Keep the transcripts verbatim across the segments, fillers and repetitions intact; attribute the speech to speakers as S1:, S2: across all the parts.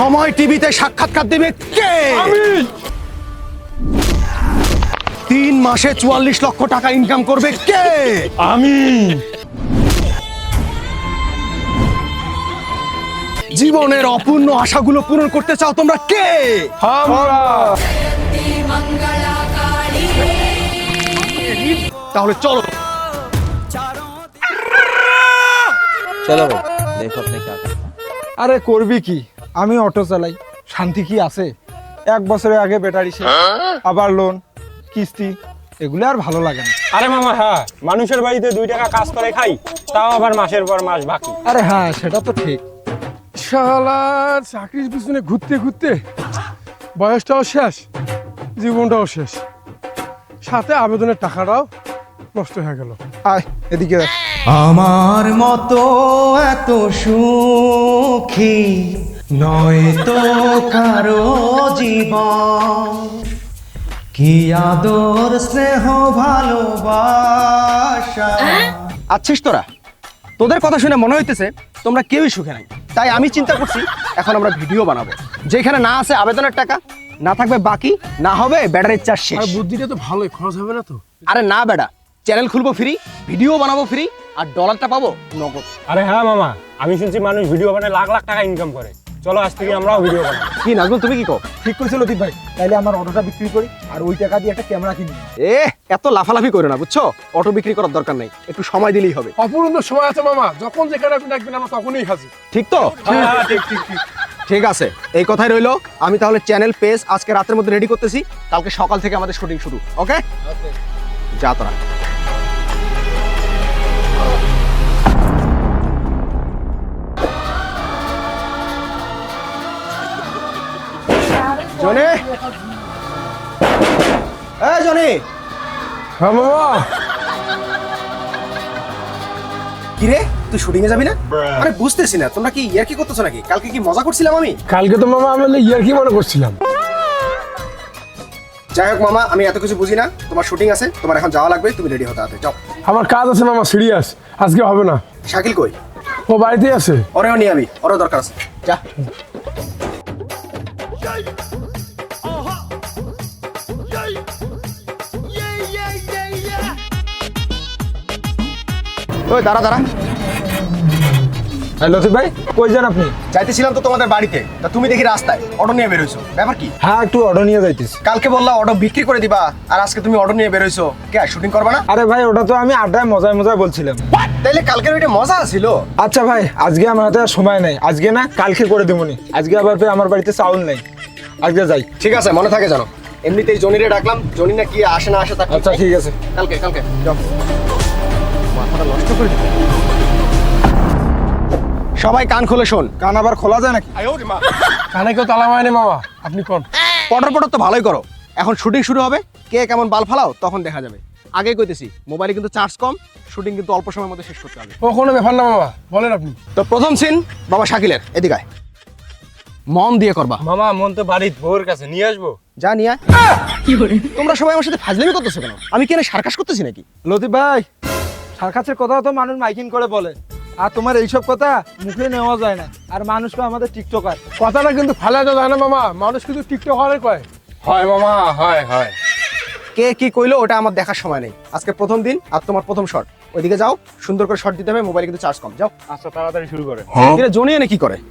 S1: সময় টিভিতে সাক্ষাৎকার দেবে কে?
S2: আমি।
S1: তিন মাসে চুয়াল্লিশ লক্ষ টাকা ইনকাম করবে কে?
S2: আমি।
S1: জীবনের অপূর্ণ আশাগুলো পূরণ করতে চাও তোমরা কে?
S2: আমরা।
S1: তাহলে চলো।
S3: চলো ভাই দেখো আপনি কি করতে।
S2: আরে করবি কি, আমি অটো চালাই, শান্তি কি আছে? এক বছরের আগে ব্যাটারি শেষ, আবার লোন কিস্তি, এগুলো আর ভালো লাগে না।
S4: আরে মামা হ্যাঁ, মানুষের বাড়িতে দুই টাকা কাজ করে খাই, তাও আবার মাসের পর মাস বাকি।
S2: আরে হ্যাঁ সেটা তো ঠিক। শালা চাকরির পিছনে ঘুরতে ঘুরতে বয়সটাও শেষ, জীবনটাও শেষ, সাথে আবেদনের টাকাটাও নষ্ট হয়ে গেল। আয় এদিকে দেখ।
S5: আমার মতো এত সুখী নয় তো কারো জীবন, কি আদর স্নেহ ভালোবাসা।
S1: আচ্ছিস তোরা, তোদের কথা শুনে মনে হইতেছে তোমরা কেউই সুখে নাই। তাই আমি চিন্তা করছি এখন আমরা ভিডিও বানাবো যেখানে না আছে আবেদনের টাকা, না থাকবে বাকি, না হবে ব্যাটারির চার্জ শেষ।
S2: আর বুদ্ধিটা তো ভালোই, খরচ হবে না তো?
S1: আরে না বেটা, চ্যানেল খুলবো ফ্রি, ভিডিও বানাবো ফ্রি, আর ডলারটা পাবো নগদ।
S4: আরে হ্যাঁ মামা, আমি শুনছি মানুষ ভিডিও বানায় লাখ লাখ টাকা ইনকাম করে। চলো আজ থেকে আমরাও ভিডিও বানাবো।
S1: কি নাজমুল, তুমি কি কও?
S2: ঠিক করেছো লতিফ ভাই, তাইলে আমার অটোটা বিক্রি করি আর ওই টাকা দিয়ে একটা ক্যামেরা কিনি।
S1: এ এত লাফালাফি করো না বুঝছো, অটো বিক্রি করার দরকার নেই, একটু সময় দিলেই হবে।
S2: অপূর্ণ সময় আছে মামা, যখন যেখানে আপনি ডাকবেন আমরা তখনই হাজির।
S1: ঠিক তো?
S4: হ্যাঁ হ্যাঁ, ঠিক ঠিক ঠিক।
S1: ঠিক আছে, এই কথাই রইলো। আমি তাহলে চ্যানেল পেজ আজকে রাতের মধ্যে রেডি করতেছি, কালকে সকাল থেকে আমাদের শুটিং শুরু। ওকে, যা তোরা। জনি, এই জনি।
S2: হ্যাঁ মামা।
S1: কি রে, তুই শুটিং এ যাবি না? আরে বুঝতেছি না, তোমরা কি ইয়ার কি করতেছো নাকি? কালকে কি মজা করছিলাম আমি?
S2: কালকে তো মামা আমি ইয়ার কি মনে করছিলাম।
S1: যাই হোক মামা, আমি এত কিছু বুঝি না। তোমার শুটিং আছে, তোমার এখন যাওয়া লাগবে, তুমি রেডি হতে হবে। যাও।
S2: আমার কাজ আছে মামা, সিরিয়াস, আজকে হবে না।
S1: শাকিল কই?
S2: ও বাড়িতেই আছে।
S1: ওরেও নিয়ে আমি, ওরও দরকার আছে। যা। ওই দাঁড়া দাঁড়া।
S2: হ্যাঁ লতিফ ভাই, কই যান আপনি?
S1: যাইতেছিলাম তো তোমাদের বাড়িতে, তা তুমি দেখি রাস্তায় অটো নিয়ে বেরোইছো, ব্যাপার কি?
S2: হ্যাঁ একটু অটো নিয়ে যাইতেছি।
S1: কালকে বললা অটো বিক্রি করে দিবা, আর আজকে তুমি অটো নিয়ে বেরোইছো, কে শুটিং করবা না?
S2: আরে ভাই ওটা তো আমি আড্ডায় মজায় মজায় বলছিলাম।
S1: তাইলে কালকের ওইটা মজা ছিল।
S2: আচ্ছা ভাই, আজকে আমার হাতে আর সময় নাই, আজকে না কালকে করে দেবনি। আজকে আবার ফের আমার বাড়িতে চাউল নাই, আজকে যাই।
S1: ঠিক আছে, মনে থাকে জানো। এমনিতেই জনিরে ডাকলাম, জনি না কি আসে না আসে তা ঠিক
S2: আচ্ছা
S1: নাই।
S2: ঠিক আছে।
S1: কালকে কালকে যাও। মাথাটা নষ্ট করে দিল। সবাই কান খুলে শোন।
S2: কান আবার খোলা যায় নাকি? কানে কেউ তালা মারেনি মামা, আপনি কোন?
S1: পটর পটর তো ভালোই করো। এখন শুটিং শুরু হবে, কে কেমন বাল ফালাও তখন দেখা যাবে। আগেই কইতেছি, মোবাইলে কিন্তু চার্জ কম, শুটিং কিন্তু অল্প সময়ের মধ্যে শেষ করতে হবে।
S2: ও কোনো ব্যাপার না মামা, বলেন আপনি।
S1: তো প্রথম সিন বাবা শাকিলের, এদিকে আয়। মন দিয়ে করবা।
S4: মামা মন তো বাড়ির বউর কাছে নিয়ে আসবো।
S1: যা নিয়ে আয়। তোমরা সবাই আমার সাথে ফাজলামি করতেছো কেন? আমি কি এনে সার্কাস করতেছি নাকি?
S2: লতিফ ভাই, সার্কাসের কথা তো মানুষ মাইকিং করে বলে, আর তোমার এইসব কথা মুখে নেওয়া যায় না। আর মানুষকে আমাদের টিকটকার কথাটা কিন্তু ফালাতে যায় না মামা, মানুষ কিন্তু টিকটক হওয়ার কয়।
S4: হয় মামা, হয় হয়।
S1: কে কি কইলো ওটা আমার দেখার সময় নেই। আজকে প্রথম দিন আর তোমার প্রথম শট, ওইদিকে যাও, সুন্দর করে শট দিতে হবে। মোবাইলে কিন্তু চার্জ কম, যাও।
S4: আচ্ছা তাড়াতাড়ি শুরু করে।
S1: এটা জনি এনে কি করে?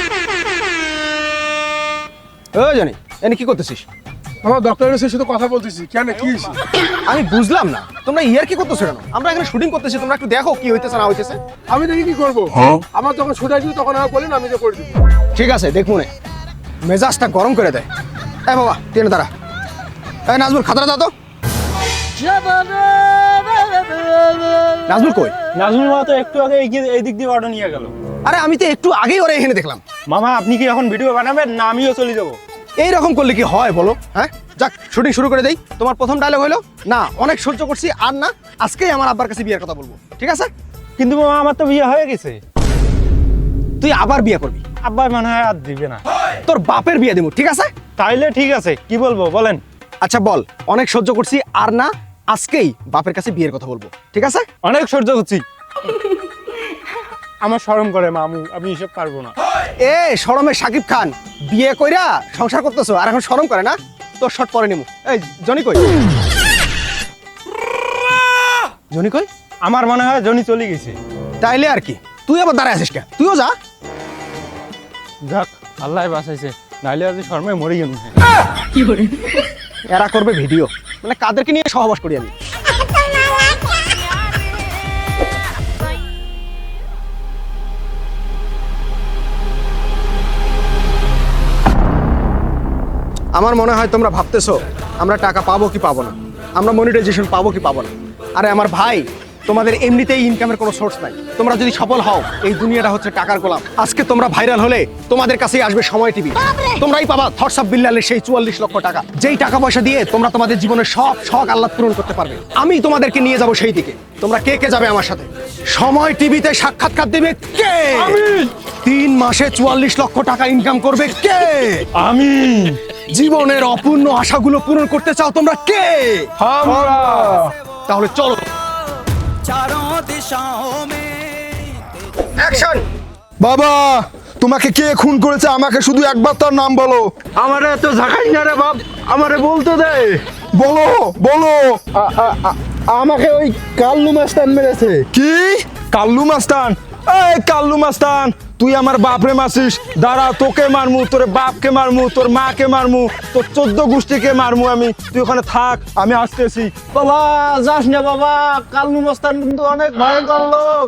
S1: ওই জনি, এনে কি করতেছিস?
S2: আমার ডক্টরের সাথে কথা বলতেছি। কেন, কি হয়েছে?
S1: আমি বুঝলাম না, তোমরা ইয়ার কি করতেছো কেন? আমরা এখানে শুটিং করতেছি, তোমরা একটু দেখো কি হইতেছে না হইতেছে।
S2: আমি দেখি কি করবো, আমার যখন ছুটাই দিই তখন আমার বলেন, আমি তো করে দিই।
S1: ঠিক আছে, দেখবো না। মেজাজটা গরম করে দেয়। এই বাবা টেনে দাঁড়া। এই নাজমুল, খাতাটা দাও তো। নাজমুল কই?
S4: নাজমুল মামা তো একটু আগে এগিয়ে এই দিক দিয়ে অটো নিয়ে গেল।
S1: আরে আমি তো একটু আগেই ওরা এখানে দেখলাম।
S4: মামা আপনি কি এখন ভিডিও বানাবেন না আমিও চলে যাবো?
S1: এইরকম করলে কি হয় বলো? হ্যাঁ, যাক শুটিং শুরু করে দেই। তোমার প্রথম ডায়লগ হলো না, অনেক সহ্য করছি আর না, আজকেই আমার আব্বার কাছে বিয়ের কথা বলবো। ঠিক আছে?
S4: কিন্তু মামা আমার তো বিয়ে হয়ে গেছে।
S1: তুই আবার বিয়ে করবি?
S4: আব্বা মনে হয় আর দিবে না।
S1: তোর বাপের বিয়ে দিব, ঠিক আছে?
S4: তাইলে ঠিক আছে, কি বলবো বলেন?
S1: আচ্ছা বল, অনেক সহ্য করছি আর না, আজকেই বাপের কাছে বিয়ের কথা বলবো। ঠিক আছে?
S4: অনেক সহ্য করছি। আমার শরম করে মামু, আমি এসব পারবো না।
S1: এ শরমে সাকিব খান বিয়ে কইরা সংসার করতেছো আর এখন শরম করে না? তোর শর্ট পরে নিমু। এই জনি কই? জনি কই?
S4: আমার মনে হয় জনি চলে গেছে।
S1: তাইলে আর কি, তুই আবার দাঁড়ায় আছিস কে? তুইও যা।
S4: যাক, আল্লাহ বাঁচাইছে, নাইলে আজ শর্মায় মরে গেল।
S1: এরা করবে ভিডিও, মানে কাদেরকে নিয়ে সহবাস করি আমি? আমার মনে হয় তোমরা ভাবতেছো আমরা টাকা পাবো কি পাবো না, আমরা মনিটাইজেশন পাবো কি পাবো না। আরে আমার ভাই, তোমাদের এমনিতেই ইনকামের কোনো সোর্স নাই। তোমরা যদি সফল হও, এই দুনিয়াটা হচ্ছে টাকার গোলাম। আজকে তোমরা ভাইরাল হলে তোমাদের কাছেই আসবে সময় টিভি, তোমরাই পাবা থটস অফ বিল্লালের সেই চুয়াল্লিশ লক্ষ টাকা, যেই টাকা পয়সা দিয়ে তোমরা তোমাদের জীবনের সব শখ আহ্লাদ পূরণ করতে পারবে। আমি তোমাদেরকে নিয়ে যাব সেই দিকে। তোমরা কে কে যাবে আমার সাথে? সময় টিভিতে সাক্ষাৎকার দেবে কে? তিন মাসে চুয়াল্লিশ লক্ষ টাকা ইনকাম করবে কে?
S4: আমি।
S1: জীবনের অপূর্ণ আশাগুলো পূরণ করতে চাও তোমরা কে?
S4: আমরা।
S1: তাহলে চলো। অ্যাকশন।
S6: বাবা, তোমাকে কে খুন করেছে আমাকে শুধু একবার তার নাম বলো।
S1: আমারে এত ঝাঁকাই না রে বাপ, আমারে বলতে দে।
S6: বলো বলো।
S1: আমাকে ওই কাল্লু মাস্তান মেরেছে।
S6: কি? কাল্লু মাস্তান? এই কাল্লু মাস্তান, তুই আমার বাপরে মারছিস। দাঁড়া, তোকে মারমু, তোর বাপকে মারমু, তোর মাকে মারমু, তোর চোদ্দ গোষ্ঠীকে মারমু আমি। তুই ওখানে থাক, আমি আসতেছি।
S1: বাবা যাস না বাবা, কাল্লু মাস্তান কিন্তু অনেক ভয়ঙ্কর লোক।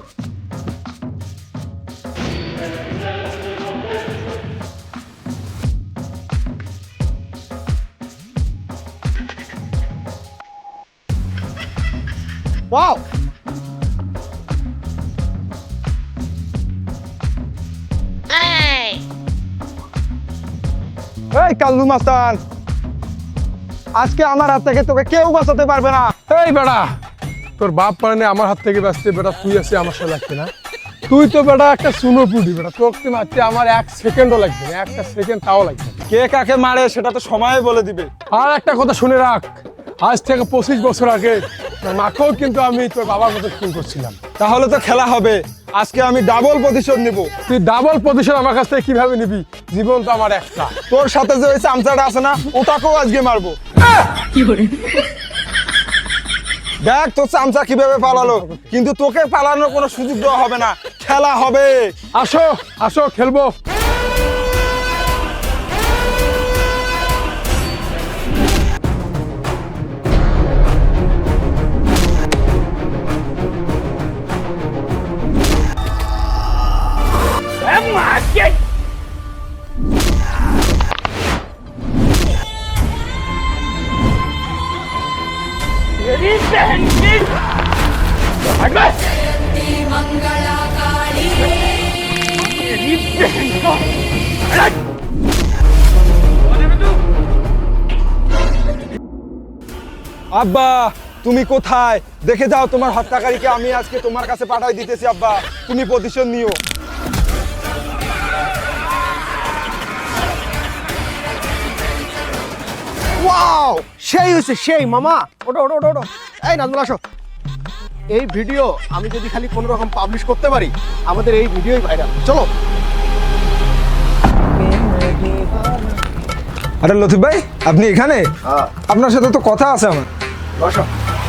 S1: ওয়াও,
S6: এই কাল্লু মাস্তান, আজকে আমার হাত থেকে তোকে কেউ বাঁচাতে পারবে না।
S2: এই বেটা, তোর বাপ মানে আমার হাত থেকে বাঁচতে বেটা তুই আসে আমার সাথে লাগছে না? তুই তো বেটা একটা সুনো পুটি বেটা, তোকে মারতে আমার এক সেকেন্ডও লাগবে না, একটা সেকেন্ড তাও লাগবে না।
S6: কে কাকে মারে সেটা তো সময় বলে দিবে।
S2: আর একটা কথা শুনে রাখ, আজ থেকে পঁচিশ বছর আগে তোর মাকেও কিন্তু আমি তোর বাবার মতো খুন করছিলাম।
S6: তাহলে তো খেলা হবে, আজকে আমি ডাবল প্রতিশোধ নিব।
S2: তুই ডাবল প্রতিশোধ আমার কাছ থেকে কিভাবে নিবি? জীবন তো আমার একটা।
S6: তোর সাথে যে ওই চামচাটা আছে না, ওটাকেও আজকে মারবো। দেখ তোর চামচা কিভাবে পালালো, কিন্তু তোকে পালানোর কোনো সুযোগ দেওয়া হবে না, খেলা হবে।
S2: আসো আসো খেলবো।
S6: আব্বা, তুমি কোথায়? দেখে যাও তোমার হত্যাকারীকে আমি আজকে তোমার কাছে পাঠাই দিতেছি। আব্বা, তুমি প্রতিশোধ নিও।
S1: ওয়াও, সেই হয়েছে সেই। মামা ওটো ওটো ওটো ওটো। এই নাজমুল আসো। এই ভিডিও আমি যদি খালি কোনো রকম পাবলিশ করতে পারি, আমাদের এই ভিডিওই ভাইরাল। চলো।
S6: আরে লতিফ ভাই, আপনি এখানে? আপনার সাথে তো কথা আছে আমার।
S1: বসো।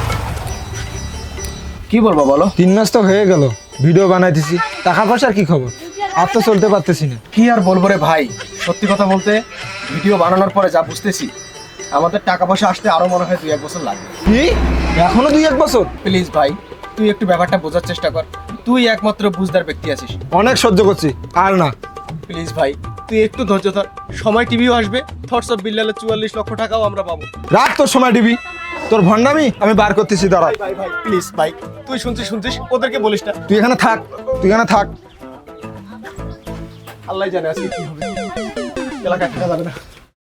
S1: কি বলবো বলো?
S6: তিন মাস তো হয়ে গেল ভিডিও বানাইতেছি, টাকা পয়সার কি খবর? আর তো চলতে পারতেছি না।
S1: কি আর বলবো রে ভাই, সত্যি কথা বলতে ভিডিও বানানোর পরে যা বুঝতেছি, আমাদের টাকা পয়সা আসতে আরো মনে হয় দুই এক বছর লাগবে।
S6: কি? এখনো দুই এক বছর?
S1: প্লিজ ভাই, তুই একটু ব্যাপারটা বোঝার চেষ্টা কর। তুই একমাত্র বুঝদার ব্যক্তি আছিস।
S6: অনেক সহ্য করছি, আর না।
S1: প্লিজ ভাই, তুই একটু ধৈর্য ধর। সময় টিভিও আসবে, থটস অফ বিল্লালের চুয়াল্লিশ লক্ষ টাকাও আমরা পাবো।
S6: রাত তোর সময় দিবি, তোর ভণ্ডামি আমি বার করতেছি। দাঁড়া,
S1: ভাই ভাই প্লিজ ভাই, তুই শুনছিস শুনছিস ওদেরকে বলিস না।
S6: তুই এখানে থাক, তুই এখানে থাক।
S1: আল্লাহ জানে আজকে কি হবে, এলাকায় থাকা যাবে না।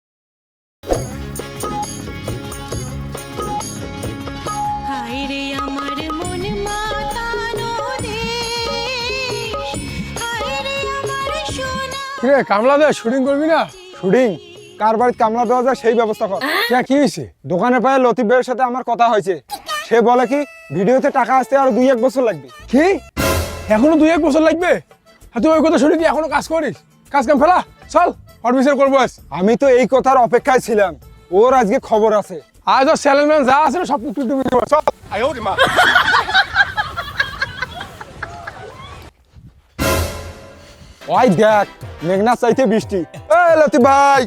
S7: হায়রে আমার মন মাতানো দেশ, হায়রে আমার সোনা।
S2: কি রে কামলা দে, শুটিং করবি না?
S6: শুটিং? কার বাড়িতে কামলা দেওয়া যায় সেই ব্যবস্থা কর।
S2: কে কি হয়েছে?
S6: দোকানে পায়ে লতিফ ভাইয়ের সাথে আমার কথা হয়েছে। সে বলে কি ভিডিওতে টাকা আসতে আরো দুই এক বছর লাগবে।
S2: কি এখনো দুই এক বছর লাগবে আর তুই ওই কথা শুনে কি এখনো কাজ করিস? কাজ কাম ফেলা, চল অফিসের করবো আজ।
S6: আমি তো এই কথার অপেক্ষায় ছিলাম, ওর আজকে খবর আছে।
S2: আজ ওর স্যালেনম্যান যা আছে না সব টুকটুক টুকটুক করে, চল।
S6: ওই দেখ মেঘনা চাইতে বৃষ্টি। এই লতি ভাই,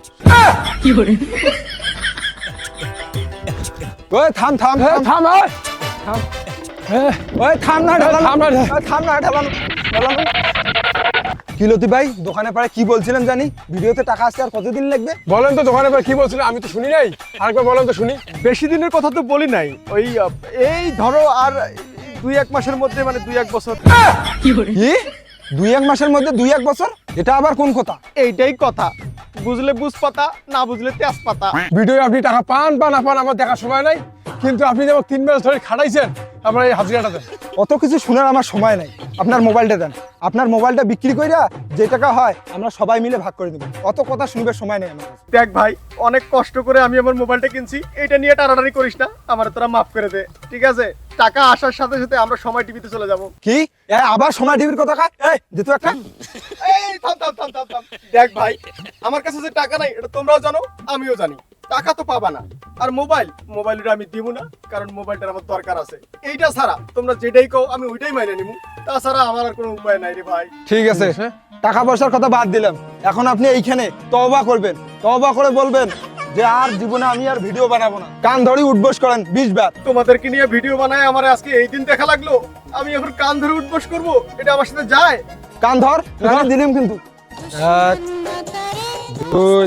S6: ওই থাম থাম
S2: এ,
S6: থাম
S2: থাম আয়, থাম। এ,
S6: ওই থাম না
S2: এ,
S6: ঢালানো,
S2: থাম না,
S6: ওই থাম না ঢালানো ঢালানো। কি লতি ভাই দোকানে পাড়ে কি বলছিলেন জানি, ভিডিওতে টাকা আসতে আর কতদিন লাগবে?
S2: বলেন তো দোকানে পর কি বলছিলেন, আমি তো শুনি নাই, আরেকবার বলেন তো শুনি।
S1: বেশি দিনের কথা তো বলি নাই, ওই আহ, এই ধরো আর দুই এক মাসের মধ্যে, মানে দুই এক বছর।
S6: কি দুই এক মাসের মধ্যে দুই এক বছর? এটা আবার কোন কথা?
S1: এইটাই কথা, বুঝলে বুঝ পাতা, না বুঝলে তেজ পাতা।
S2: ভিডিও আপনি টাকা পান বা না পান আমার দেখার সময় নাই, কিন্তু আপনি যেমন তিন মাস ধরে খাটাইছেন আপনার এই হাজিরাটা দেন।
S6: অত কিছু শোনার আমার সময় নাই, আপনার মোবাইলটা দেন। আপনার মোবাইলটা বিক্রি কইরা যে টাকা হয় আমরা সবাই মিলে ভাগ করে দেবো। অত কথা শুনবার সময় নেই আমার কাছে।
S1: দেখ ভাই, অনেক কষ্ট করে আমি আমার মোবাইলটা কিনছি, এটা নিয়ে টানাটানি করিস না, আমার তোরা মাফ করে দে, ঠিক আছে? টাকা আসার সাথে সাথে আমরা সময় টিভিতে চলে যাব।
S6: কি এ, আবার সময় টিভির কথা খায়? এই যেহেতু একটা
S1: এই থাম থাম থাম থাম থাম। দেখ ভাই, আমার কাছে যে টাকা নাই এটা তোমরাও জানো, আমিও জানি। টাকা তো পাবা না, আর মোবাইল মোবাইলটা আমি দিব না, কারণ মোবাইলটার আমার দরকার আছে। এইটা ছাড়া তোমরা যেটাই কও আমি ওইটাই মাইনে নিবো, তাছাড়া আমার আর কোনো উপায় নাই রে ভাই।
S6: ঠিক আছে, টাকা পয়সার কথা বাদ দিলাম, এখন আপনি এইখানে তওবা করবেন, তওবা করে বলবেন যে আর জীবনে আমি আর ভিডিও বানাবো না। কান ধরে উঠবোস করেন বিশ বার।
S1: তোমাদেরকে নিয়ে ভিডিও বানায় আমার আজকে এই দিন দেখা লাগলো, আমি এখন কান ধরে উঠবস করবো? এটা আমার সাথে যায়?
S6: কান ধর, এখানে দিলাম কিন্তু। এক দুই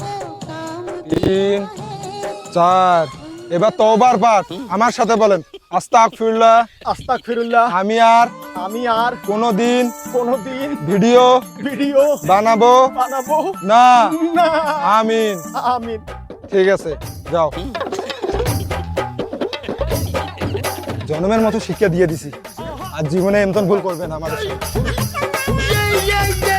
S6: তিন চার, এবার তওবার পাঠ আমার সাথে বলেন। আস্তাগফিরুল্লাহ,
S1: আস্তাগফিরুল্লাহ,
S6: আমি আর
S1: আমি আর
S6: কোনোদিন
S1: কোনোদিন
S6: ভিডিও
S1: ভিডিও
S6: বানাবো
S1: বানাবো
S6: না।
S1: না।
S6: আমিন।
S1: আমিন।
S6: ঠিক আছে, যাও। জন্মের মতো শিক্ষা দিয়ে দিছি, আর জীবনে এমন ভুল করবে না আমাদের সাথে।